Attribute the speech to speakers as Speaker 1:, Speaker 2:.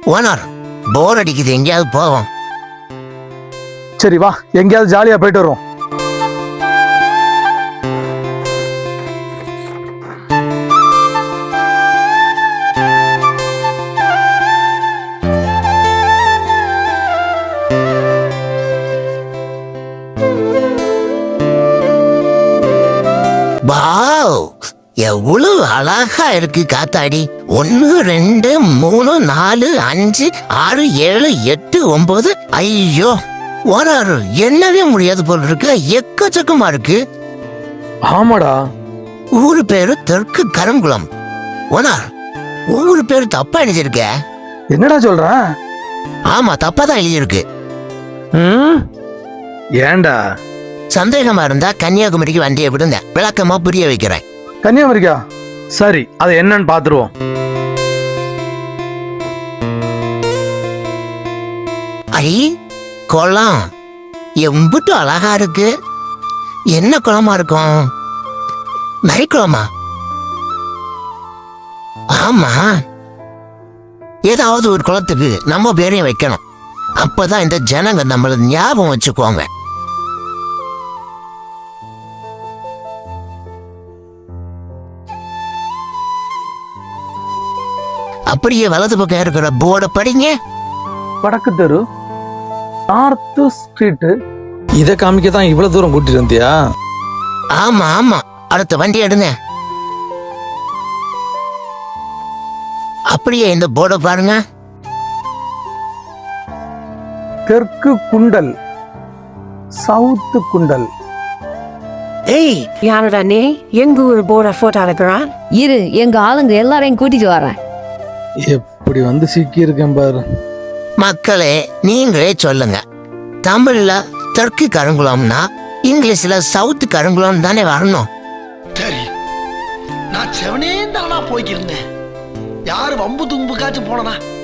Speaker 1: Owner போர் அடிக்குது, எங்கேயாவது போவோம்.
Speaker 2: சரி வா, எங்கேயாவது ஜாலியா போயிட்டு வருவோம்.
Speaker 1: வாவ், எவ்வளவு அழகா இருக்கு காத்தாடி. 1 2 3 4 5 6 7 8 9. ஐயோ ஓனர், என்னவே முடியாது போல இருக்கு, எக்கச்சக்கமா இருக்கு.
Speaker 2: ஆமாடா.
Speaker 1: ஊரு பேரு தெற்கு கருங்குளம். ஓனர், ஊரு பேரு தப்பா எழுதியிருக்க.
Speaker 2: என்னடா சொல்ற?
Speaker 1: ஆமா, தப்பா தான் எழுதியிருக்கு.
Speaker 2: ஏன்டா?
Speaker 1: சந்தேகமா இருந்தா கன்னியாகுமரிக்கு வண்டியை விடுங்க, விளக்கமா புரிய வைக்கிறேன்.
Speaker 2: கன்னியாகுமரிக்கா? சரி, அது என்னன்னு பாத்துருவோம்.
Speaker 1: ஐ, குளம் எம்புட்டு அழகா இருக்கு. என்ன குளமா இருக்கும்? நரிக்குளமா? ஆமா, ஏதாவது ஒரு குளத்துக்கு நம்ம பேரையும் வைக்கணும். அப்பதான் இந்த ஜனங்க நம்மள ஞாபகம் வச்சுக்குவாங்க. அப்படியே வலது பக்கம் இருக்கிற போர்டை படிங்க.
Speaker 2: வடக்கு தெரு, நார்த் ஸ்ட்ரீட். இதை காமிக்க தான் இவ்வளவு தூரம் கூட்டிட்டு வந்தியா?
Speaker 1: ஆமா ஆமா, அடுத்த வண்டி எடுங்க. அப்படியே இந்த போர்டை பாருங்க.
Speaker 2: தெற்கு குண்டல், சவுத் குண்டல்.
Speaker 1: ஏய்,
Speaker 3: யாருடா நீ? எங்க ஊர் போர்டை போட்டோ எடுக்கிறான்?
Speaker 4: இரு, எங்க ஆளுங்க எல்லாரையும் கூட்டிட்டு வரேன்.
Speaker 2: எப்படி வந்து சிக்கி இருக்கேன் பாரு.
Speaker 1: மக்களே, நீங்களே சொல்லுங்க, தமிழ்ல தெற்கு கருங்குளம்னா இங்கிலீஷ்ல சவுத் கருங்குளம் தானே வரணும்?
Speaker 5: சரி, நான் செவனே தானா போய்க்கிருந்தேன். யாரு வம்பு தும்புக்காச்சும் போனனா?